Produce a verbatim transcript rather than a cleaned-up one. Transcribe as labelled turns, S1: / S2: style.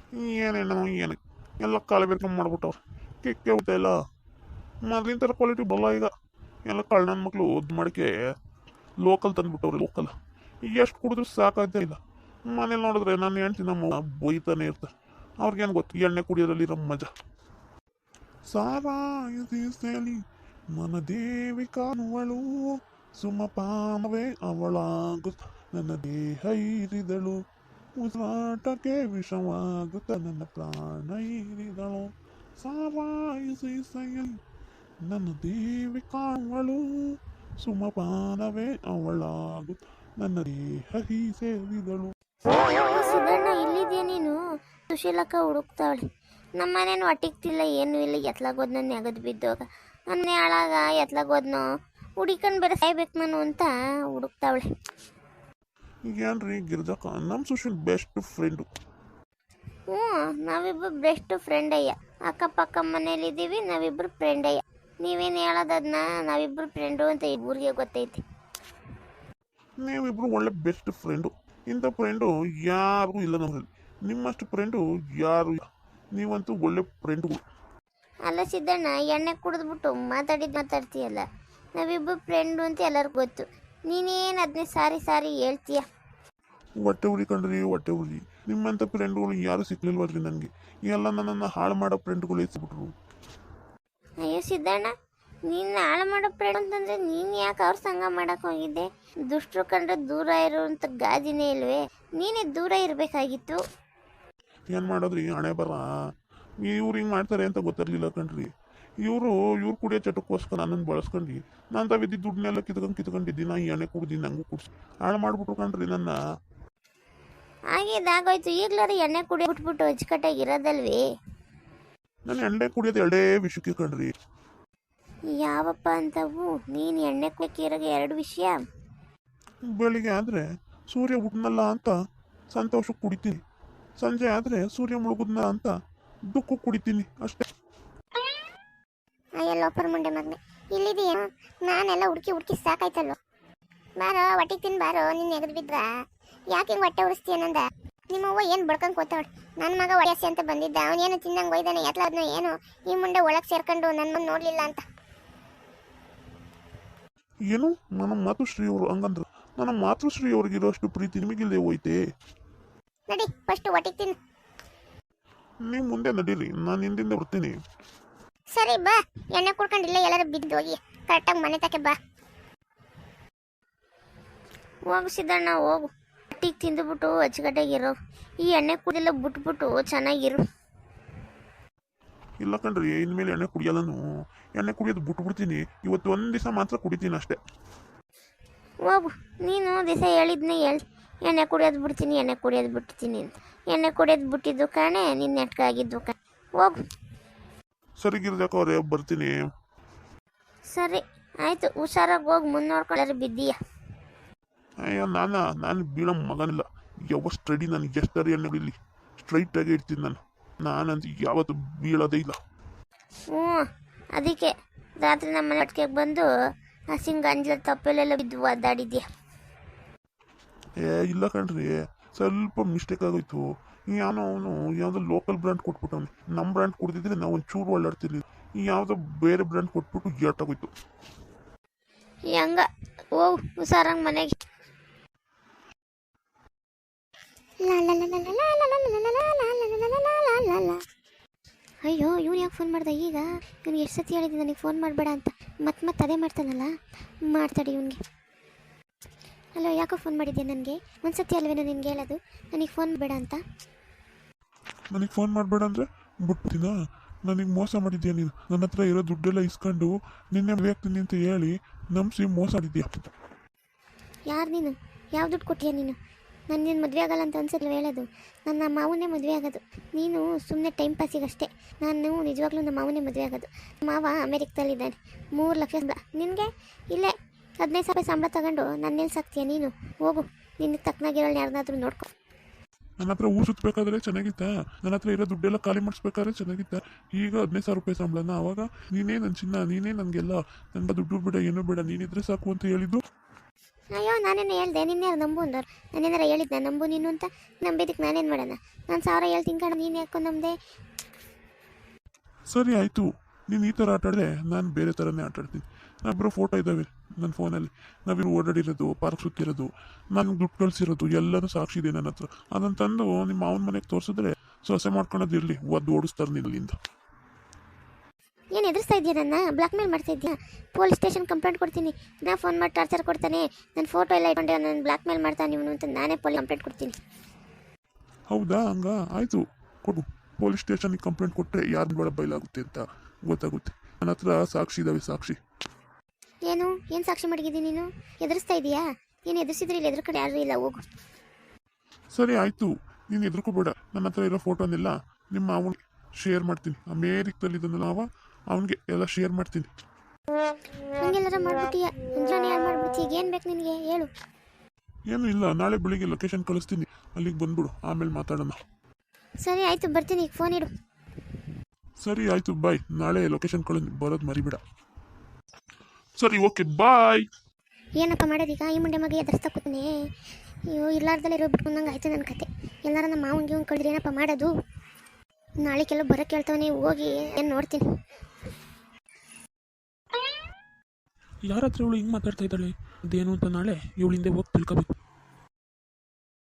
S1: ಏನೇನೋ ಏನು ಎಲ್ಲ ಕಾಲ ಬೇರ್ಕೊಂಡ್ ಮಾಡ್ಬಿಟ್ಟವ್ರು. ಕಿಕ್ಕೆ ಊಟ ಇಲ್ಲ, ಮೊದಲಿನ ಥರ ಕ್ವಾಲಿಟಿ ಬಲ್ಲ ಈಗ. ಎಲ್ಲ ಕಳ್ಳ ನನ್ನ ಮಕ್ಕಳು ಒದ್ದು ಮಾಡಿಕೆ ಲೋಕಲ್ ತಂದುಬಿಟ್ಟವ್ರೆ. ಲೋಕಲ್ ಎಷ್ಟು ಕುಡಿದ್ರು ಸಾಕಾಗ್ತಾ ಇಲ್ಲ. ಮನೇಲಿ ನೋಡಿದ್ರೆ ನಾನು ಹೆಂಡ್ತಿ ನಮ್ಮ ಬೈತಾನೆ ಇರ್ತಾರೆ. ಅವ್ರಿಗೇನು ಗೊತ್ತು ಎಣ್ಣೆ ಕುಡಿಯೋದ್ರಲ್ಲಿ ಇರೋ ಮಜಾ. ಸಾರಾಯಿಸಲಿ ಮನ ದೇವಿ ಕಾಣುವಳು, ಸುಮಪಾನವೇ ಅವಳಾಗುತ್ತ ನನ್ನ ದೇಹ ಹೀರಿದಳು, ಉಸಿರಾಟಕ್ಕೆ ವಿಷವಾಗುತ್ತ ನನ್ನ ಪ್ರಾಣ ಹೀರಿದಳು. ಸಾರಾಯಿಸಲಿ ನನ್ನ ದೇವಿ ಕಾಣುವಳು, ಸುಮಪಾನವೇ ಅವಳಾಗುತ್ತ ನನ್ನ ದೇಹ ಹೀ ಸೇರಿದಳು.
S2: ಸಿದ್ದಣ್ಣ ಇಲ್ಲಿದ್ಯಾ ನೀನು? ಸುಶೀಲಕ್ಕ ಹುಡುಕ್ತಾವಳೆ. ನಮ್ಮ ಮನೇನು ಹೊಟ್ಟಿಗ್ತಿಲ್ಲ, ಏನೂ ಇಲ್ಲ. ಎತ್ಲಾಗೋದ್ ನನ್ನ ನೆಗದು ಬಿದ್ದೋಗ ನನ್ನ ಹಾಳಾಗ ಎತ್ಲಾಗೋದ್ನೋ ಹುಡಿಕೊಂಡು ಬೇರೆ ಸಾಯ್ಬೇಕು ನಾನು ಅಂತ ಹುಡುಕ್ತಾವಳೆ.
S1: ಏನ್ರಿ ಗಿರ್ಜಕ್ಕ, ನಮ್ಮ ಸುಶೀಲ್ ಬೆಸ್ಟ್ ಫ್ರೆಂಡು.
S2: ಹ್ಞೂ, ನಾವಿಬ್ಬರು ಬೆಸ್ಟ್ ಫ್ರೆಂಡ್ ಅಯ್ಯ. ಅಕ್ಕಪಕ್ಕ ಮನೇಲಿದ್ದೀವಿ, ನಾವಿಬ್ಬರು ಫ್ರೆಂಡ್ ಅಯ್ಯ. ನೀವೇನು ಹೇಳೋದನ್ನ ನಾವಿಬ್ಬರು ಫ್ರೆಂಡು ಅಂತ ಈ ಊರಿಗೆ ಗೊತ್ತೈತಿ.
S1: ನೀವಿಬ್ರು ಒಳ್ಳೆ ಬೆಸ್ಟ್ ಫ್ರೆಂಡು. ಇಂಥ ಫ್ರೆಂಡು ಯಾರಿಗೂ ಇಲ್ಲ ನಮ್ಮಲ್ಲಿ. ನಿಮ್ಮಷ್ಟು ಫ್ರೆಂಡು ಯಾರು ಇಲ್ಲ. ನೀವಂತೂ ಒಳ್ಳೆ ಫ್ರೆಂಡುಗಳು.
S2: ಅಲ್ಲ ಸಿದ್ದಣ್ಣ, ಎಣ್ಣೆ ಕುಡಿದ್ಬಿಟ್ಟು ಮಾತಾಡಿದ್ದು ಮಾತಾಡ್ತೀಯಲ್ಲ. ನಾವಿಬ್ಬರು ಫ್ರೆಂಡು ಅಂತ ಎಲ್ಲರಿಗೂ ಗೊತ್ತು. ನೀನೇನು ಅದನ್ನೇ ಸಾರಿ ಸಾರಿ ಹೇಳ್ತೀಯ.
S1: ಹೊಟ್ಟೆ ಉರಿ ಕಂಡ್ರಿ, ಹೊಟ್ಟೆ ಉರಿ. ನಿಮ್ಮಂಥ ಫ್ರೆಂಡುಗಳು ಯಾರು ಸಿಕ್ಲಿಲ್ವಲ್ರಿ ನನಗೆ. ಎಲ್ಲ ನನ್ನನ್ನು ಹಾಳು ಮಾಡೋ ಫ್ರೆಂಡ್ಗಳು ಎಸ್ಬಿಟ್ರು.
S2: ಅಯ್ಯೋ ಸಿದ್ದಣ್ಣ, ನೀನು ಹಾಳು ಮಾಡೋ ಫ್ರೆಂಡ್ ಅಂತಂದರೆ ನೀನು ಯಾಕೆ ಅವ್ರ ಸಂಗ ಮಾಡೋಕೆ ಹೋಗಿದ್ದೆ? ದುಷ್ಟರು ಕಂಡ್ರೆ ದೂರ ಇರುವಂಥ ಗಾಜಿನೇ ಇಲ್ವೇ? ನೀನೇ ದೂರ ಇರಬೇಕಾಗಿತ್ತು.
S1: ಏನು ಮಾಡೋದ್ರಿ, ಹಣೆ ಬರ. ಇವ್ರು ಹಿಂಗೆ ಮಾಡ್ತಾರೆ ಅಂತ ಗೊತ್ತಿರಲಿಲ್ಲ ಕಣ್ರಿ. ಇವರು ಇವ್ರು ಕುಡಿಯೋ ಚಟಕ್ಕೋಸ್ಕರ ನನ್ನನ್ನು ಬಳಸ್ಕೊಂಡು ನಾನು ತಾವಿದ್ದು ದುಡ್ಡನ್ನೆಲ್ಲ ಕಿತ್ಕೊಂಡು ಕಿತ್ಕೊಂಡಿದ್ದೀನಿ. ನಾ ಎಣ್ಣೆ ಕುಡ್ದು ನಂಗೂ ಕುಡ್ಸಿ ಹಾಳು ಮಾಡ್ಬಿಟ್ರು ಕಣ್ರಿ ನನ್ನ.
S2: ಹಾಗೇದಾಗೋಯ್ತು. ಈಗಲಾರು ಎಣ್ಣೆ ಕುಡಿ ಬಿಟ್ಬಿಟ್ಟು ಅಚ್ಚುಕಟ್ಟಾಗಿರೋದಲ್ವೇ?
S1: ನಾನು ಎಣ್ಣೆ ಕುಡಿಯೋದು ಎರಡೇ ವಿಷಯಕ್ಕೆ ಕಣ್ರಿ.
S2: ಯಾವಪ್ಪ ಅಂತವು? ನೀನು ಎಣ್ಣೆ ಕುಡಿಯೋಕೆ ಎರಡು ವಿಷಯ.
S1: ಬೆಳಿಗ್ಗೆ ಆದರೆ ಸೂರ್ಯ ಹುಟ್ಟನಲ್ಲ ಅಂತ ಸಂತೋಷಕ್ಕೆ ಕುಡಿತೀನಿ, ಸಂಜೆ ಆದರೆ ಸೂರ್ಯ ಮುಳುಗುದ್ನ ಅಂತ ದುಃಖ ಕುಡಿತೀನಿ ಅಷ್ಟೇ.
S2: ಅಯ್ಯೋ ಲೋಪರ್ ಮುಂಡೆ ಮಗನೆ, ಇಲ್ಲಿದೆಯಾ? ನಾನೆಲ್ಲ ಹುಡುಕಿ ಹುಡುಕಿ ಸಾಕಾಯ್ತಲ್ವ. ಬಾರೋ ಹೊಟ್ಟಿಗೆ ತಿನ್ ಬಾರೋ. ನಿನ್ನ ಎಗದು ಬಿದ್ರ ಯಾಕೆ ಹಿಂಗೆ ಹೊಟ್ಟೆ ಉರಿಸ್ತೀಯ ನಂದ? ನಿಮ್ಮವ್ವ ಏನು ಬಡ್ಕೊಂಡು ಕೂತಾವಳು. ನನ್ನ ಮಗ ಒಡೆಸಿ ಅಂತ ಬಂದಿದ್ದ, ಅವನೇನು ತಿನ್ನಂಗೆ ಒಯ್ದಾನೆ ಎತ್ಲಾದ್ನ ಏನು ಈ ಮುಂಡೆ ಒಳಗೆ ಸೇರ್ಕೊಂಡು ನನ್ನ ಮುಂದೆ ನೋಡಲಿಲ್ಲ ಅಂತ.
S1: ಏನು ನನ್ನ ಮಾತುಶ್ರೀ ಅವರು ಹಂಗಂದ್ರು? ನನ್ನ ಮಾತೃಶ್ರೀ ಅವ್ರಿಗಿರೋಷ್ಟು ಪ್ರೀತಿ ನಿಮಗಿಲ್ಲದೆ ಹೋಯ್ತೆ?
S2: ನಡಿ ಫಸ್ಟ್ ಹೊಟ್ಟಿಗೆ ತಿನ್ನು.
S1: ನೀವು ಮುಂದೆ ನಡೀರಿ, ನಾನು ಹಿಂದಿಂದ ಬರ್ತೀನಿ.
S2: ಸರಿ ಬಾ, ಎಣ್ಣೆ ಕುಡ್ಕೊಂಡಿಲ್ಲ ಎಲ್ಲರೂ ಬಿದ್ದು ಹೋಗಿ ಕರೆಕ್ಟಾಗಿ ಮನೆ ತಕ್ಕೆ ಬಾ. ಹೋಗು ಸಿದ್ದಣ್ಣ ಹೋಗು. ಹೊಟ್ಟಿಗೆ ತಿಂದುಬಿಟ್ಟು ಅಚ್ಚುಕಟ್ಟಾಗಿರೋ. ಈ ಎಣ್ಣೆ ಕುಡಿಯೆಲ್ಲ ಬಿಟ್ಬಿಟ್ಟು ಚೆನ್ನಾಗಿರು.
S1: ಇಲ್ಲ ಕಣ್ರಿ, ಇನ್ಮೇಲೆ ಎಣ್ಣೆ ಕುಡಿಯಲ್ಲನು. ಎಣ್ಣೆ ಕುಡಿಯೋದು ಬಿಟ್ಬಿಡ್ತೀನಿ. ಇವತ್ತು ಒಂದು ದಿವಸ ಮಾತ್ರ ಕುಡಿತೀನಿ ಅಷ್ಟೇ.
S2: ಹೋಗು, ನೀನು ದಿವಸ ಹೇಳಿದ್ನೇ ಹೇಳಿ ಎಣ್ಣೆ ಕುಡಿಯೋದು ಬಿಡ್ತೀನಿ ಎಣ್ಣೆ ಕುಡಿಯೋದು ಬಿಡ್ತೀನಿ ಅಂತ. ಎಣ್ಣೆ ಕುಡಿಯೋದು ಬಿಟ್ಟಿದ್ದು ಕಾಣೆ ನಿನ್ನ ನೆಟ್ಕ ಆಗಿದ್ದು ಕಾಣೆ. ಹೋಗು.
S1: ಸರಿ ಗಿರ್ಜಾಕ ಅವರೇ, ಬರ್ತೀನಿ.
S2: ಸರಿ ಆಯಿತು, ಹುಷಾರಾಗಿ ಹೋಗಿ ಮುಂದೆ ನೋಡ್ಕೊಳ್ಳಾರೆ ಬಿದ್ದೀಯ.
S1: ಅಯ್ಯೋ ನಾನ ನಾನು ಬೀಳೋ ಮಗನಿಲ್ಲ. ಯಾವ ಸ್ಟಡಿ ನನಗೆ ಎಷ್ಟರಿ ಎಣ್ಣೆ ಬಿಡಲಿ, ಸ್ಟ್ರೈಟಾಗಿ ಇಡ್ತೀನಿ ನಾನು. ನಾನಂತ ಯಾವತ್ತು ಬೀಳೋದೇ ಇಲ್ಲ.
S2: ಹ್ಞೂ, ಅದಕ್ಕೆ ರಾತ್ರಿ ನಮ್ಮ ಮನೆ ಒಟ್ಟಿಗೆ ಬಂದು ಹಸಿಂಗ ಅಂಜಲ ತಪ್ಪಲೆಲ್ಲ ಬಿದ್ದು ಒದ್ದಾಡಿದ್ಯಾ.
S1: ಏ ಇಲ್ಲ ಕಣ್ರಿ, ಸ್ವಲ್ಪ ಮಿಸ್ಟೇಕ್ ಆಗೋಯ್ತು. ಯಾವನೋ ಅವನು ಯಾವುದೋ ಲೋಕಲ್ ಬ್ರ್ಯಾಂಡ್ ಕೊಟ್ಬಿಟ್ಟವನು. ನಮ್ಮ ಬ್ರ್ಯಾಂಡ್ ಕೊಡ್ತಿದ್ರೆ ನಾವು ಒಂಚೂರು ಒಳ್ಳಾಡ್ತಿರ್ಲಿಲ್ಲ. ಯಾವುದೋ ಬೇರೆ ಬ್ರ್ಯಾಂಡ್ ಕೊಟ್ಬಿಟ್ಟು ಏಟಾಗೋಯ್ತು.
S2: ಹೆಂಗ ಹೋಗು ಹುಷಾರಾಗಿ ಮನೆಗೆ. ಅಯ್ಯೋ ಇವ್ನು ಯಾಕೆ ಫೋನ್ ಮಾಡ್ದೆ ಈಗ? ಇವ್ನು ಎಷ್ಟು ಸತಿ ಹೇಳಿದ್ದೆ ನನಗೆ ಫೋನ್ ಮಾಡಬೇಡ ಅಂತ. ಮತ್ತೆ ಮತ್ತೆ ಅದೇ ಮಾಡ್ತಾನಲ್ಲ, ಮಾಡ್ತಾಡಿ ಇವನಿಗೆ. ಹಲೋ, ಯಾಕೋ ಫೋನ್ ಮಾಡಿದ್ದೆ ನನಗೆ? ಒಂದು ಸತಿ ಅಲ್ವೇನೋ ನಿನ್ಗೆ ಹೇಳೋದು ನನಗೆ ಫೋನ್ ಬೇಡ ಅಂತ?
S1: ನನಗೆ ಫೋನ್ ಮಾಡಬೇಡ ಅಂದರೆ ಬಿಟ್ಬಿಟ್ಟಿನ? ನನಗೆ ಮೋಸ ಮಾಡಿದ್ಯಾ ನೀನು? ನನ್ನ ಹತ್ರ ಇರೋ ದುಡ್ಡೆಲ್ಲ ಇಸ್ಕೊಂಡು ನಿನ್ನೆ ಮದುವೆ ಆಗ್ತೀನಿ ಅಂತ ಹೇಳಿ ನಂಬಿಸಿ ಮೋಸ ಮಾಡಿದ್ಯಾ.
S2: ಯಾರು ನೀನು? ಯಾವ ದುಡ್ಡು ಕೊಟ್ಟಿಯಾ ನೀನು? ನಾನು ನೀನು ಮದುವೆ ಆಗಲ್ಲ ಅಂತ ಅನ್ಸಲ್ಲ ಹೇಳೋದು. ನನ್ನ ಮಾವನೇ ಮದುವೆ ಆಗೋದು. ನೀನು ಸುಮ್ಮನೆ ಟೈಮ್ ಪಾಸಿಗಷ್ಟೇ. ನಾನು ನಿಜವಾಗ್ಲೂ ನಮ್ಮ ಮಾವನೇ ಮದುವೆ ಆಗೋದು. ಮಾವ ಅಮೇರಿಕದಲ್ಲಿದ್ದಾನೆ. ಮೂರು ಲಕ್ಷ ಸಂಬಳ. ನಿನಗೆ ಇಲ್ಲೇ ಹದಿನೈದು ಸಾವಿರ ಸಂಬಳ ತಗೊಂಡು ನನ್ನ ನಿಲ್ಸಾಕ್ತೀಯ ನೀನು? ಹೋಗು, ನಿನಗೆ ತಕ್ಕನಾಗಿರೋಳು ಯಾರನ್ನಾದ್ರೂ ನೋಡ್ಕೊ.
S1: ನನ್ನ ಹತ್ರ ಊರು ಸುತ್ತಬೇಕಾದ್ರೆ ಚೆನ್ನಾಗಿತ್ತ? ನನ್ನ ಹತ್ರ ಇರೋ ದುಡ್ಡೆಲ್ಲ ಖಾಲಿ ಮಾಡಿಸ್ಬೇಕಾದ್ರೆ ಚೆನ್ನಾಗಿತ್ತ? ಈಗ ಹದಿನೈದು ಸಾವಿರ ರೂಪಾಯಿ ಸಂಬಳನ? ಆವಾಗ ನೀನೇ ನನ್ನ ಚಿನ್ನ, ನೀನೇ ನನಗೆಲ್ಲ, ನನಗೆ ದುಡ್ಡು ಬೇಡ ಏನೂ ಬೇಡ, ನೀನಿದ್ರೆ ಸಾಕು ಅಂತ ಹೇಳಿದ್ದು.
S2: ಅಯ್ಯೋ ನಾನೇನು ಹೇಳ್ದೆ ನಿನ್ನೆ ನಂಬು ಅಂದವ್ರು ನಾನೇನಾರ ಹೇಳಿದ್ದೆ ನಂಬು ನೀನು ಅಂತ ನಂಬಿದ್ದಕ್ಕೆ ನಾನೇನು ಮಾಡೋಣ ನಾನು ಸಾವಿರ ಹೇಳ್ತೀನಿ ಕಣ ನೀನು ಯಾಕೋ ನಮ್ಮದೆ.
S1: ಸರಿ ಆಯಿತು, ನೀನು ಈ ಥರ ಆಟ ಆಡಿದ್ರೆ ನಾನು ಬೇರೆ ಥರನೇ ಆಟ ಆಡ್ತೀನಿ. ನಾವಿಬ್ಬರು ಫೋಟೋ ಇದ್ದಾವೆ ನನ್ನ ಫೋನಲ್ಲಿ, ನಾವಿರು ಓಡಾಡಿರೋದು, ಪಾರ್ಕ್ ಸುತ್ತಿರೋದು, ನನಗೆ ದುಡ್ಡು ಕಳಿಸಿರೋದು ಎಲ್ಲನೂ ಸಾಕ್ಷಿ ಇದೆ ನನ್ನ ಹತ್ರ. ಅದನ್ನು ತಂದು ನಿಮ್ಮ ಮಾವನ ಮನೆಗೆ ತೋರಿಸಿದ್ರೆ ಸೊಸೆ ಮಾಡ್ಕೊಳೋದಿರಲಿ, ಒದ್ದು ಓಡಿಸ್ತಾರೆ ನಿಲ್ಲಿಂದ.
S2: ಏನು ಎದುರಿಸ್ತಾ ಇದೆಯಾ ನನ್ನ ಬ್ಲಾಕ್ ಮೇಲ್ ಮಾಡ್ತಾ ಇದೆಯಾ? ಪೊಲೀಸ್ ಸ್ಟೇಷನ್ ಕಂಪ್ಲೇಂಟ್ ಕೊಡ್ತೀನಿ. ನಾ ಫೋನ್ ಮಾಡಿ ಟಾರ್ಚರ್ ಕೊಡ್ತಾನೆ, ನನ್ನ ಫೋಟೋ ಎಲ್ಲ ಇಟ್ಕೊಂಡೆ ನಾನು ಬ್ಲಾಕ್ ಮೇಲ್ ಮಾಡ್ತಾನೆ ಇವನು ಅಂತ ನಾನೇ ಪೊಲೀಸ್ ಕಂಪ್ಲೇಂಟ್ ಕೊಡ್ತೀನಿ.
S1: ಹೌದಾ? ಹಂಗ ಆಯಿತು, ಕೊಡು. ಪೊಲೀಸ್ ಸ್ಟೇಷನ್ಗೆ ಕಂಪ್ಲೇಂಟ್ ಕೊಟ್ಟರೆ ಯಾರು ಬೇಡ ಬಯಲಾಗುತ್ತೆ ಅಂತ ಗೊತ್ತಾಗುತ್ತೆ. ನನ್ನ ಹತ್ರ ಸಾಕ್ಷಿ ಇದ್ದಾವೆ, ಸಾಕ್ಷಿ.
S2: ಏನು ಏನು ಸಾಕ್ಷಿ ಮಡಗಿದ್ದೀನಿ ನೀನು? ಎದುರಿಸ್ತಾ ಇದೆಯಾ? ನೀನು ಎದುರಿಸಿದ್ರೆ ಇಲ್ಲಿ ಎದುರು ಕಡೆ ಯಾರೂ ಇಲ್ಲ, ಹೋಗು.
S1: ಸರಿ ಆಯಿತು, ನೀನು ಎದುರ್ಕೋಬೇಡ. ನನ್ನ ಹತ್ರ ಇರೋ ಫೋಟೋನೆಲ್ಲ ನಿಮ್ಮ ಅವನಿಗೆ ಶೇರ್ ಮಾಡ್ತೀನಿ. ಅಮೇರಿಕದಲ್ಲಿ ಇದನ್ನೆಲ್ಲ ಅವ ಅವನಿಗೆ ಎಲ್ಲ ಶೇರ್ ಮಾಡ್ತೀನಿ.
S2: ಹಂಗೆಲ್ಲರ ಮಾಡ್ಬಿಟ್ಟಿಯ ಅಂಜಾನೆ ಯಾರು ಮಾಡ್ಬಿಡ್ತಿ? ಈಗ ಏನು ಬೇಕು ನಿನಗೆ ಹೇಳು.
S1: ಏನು ಇಲ್ಲ, ನಾಳೆ ಬೆಳಿಗ್ಗೆ ಲೊಕೇಶನ್ ಕಳಿಸ್ತೀನಿ, ಅಲ್ಲಿಗೆ ಬಂದ್ಬಿಡು, ಆಮೇಲೆ ಮಾತಾಡೋಣ.
S2: ಸರಿ ಆಯಿತು, ಬರ್ತೀನಿ, ಈಗ ಫೋನ್ ಇಡು.
S1: ಸರಿ ಆಯಿತು, ಬಾಯ್. ನಾಳೆ ಲೊಕೇಶನ್ ಕಳಿಸ್, ಬರೋದು ಮರಿಬೇಡ. ಸರಿ, ಓಕೆ, ಬಾಯ್.
S2: ಏನಪ್ಪ ಮಾಡೋದೀಗ? ಈ ಮುಂಡೆ ಮಗ ಎದುರಿಸ್ತಾ ಕೂತಾನೆ. ಅಯ್ಯೋ ಇಲ್ಲಾರ್ದಲ್ಲೇ ಇರೋ ಬಿಟ್ಕೊಂಡಂಗೆ ಆಯ್ತು ನನ್ನ ಕತೆ. ಎಲ್ಲಾರ ನಮ್ಮ ಮಾವನಿಗೆ ಇವ್ನು ಕಳೆದ್ರೆ ಏನಪ್ಪ ಮಾಡೋದು? ನಾಳೆ ಕೆಲವು ಬರೋಕ್ಕೆ ಹೇಳ್ತಾವನೆ, ಹೋಗಿ ಏನು ನೋಡ್ತೀನಿ.
S3: ಯಾರ ಹತ್ರ ಇವಳು ಹಿಂಗೆ ಮಾತಾಡ್ತಾ ಇದ್ದಾಳೆ? ಅದೇನು ಅಂತ ನಾಳೆ ಇವಳಿಂದ ಹೋಗಿ ತಿಳ್ಕೊಬೇಕು.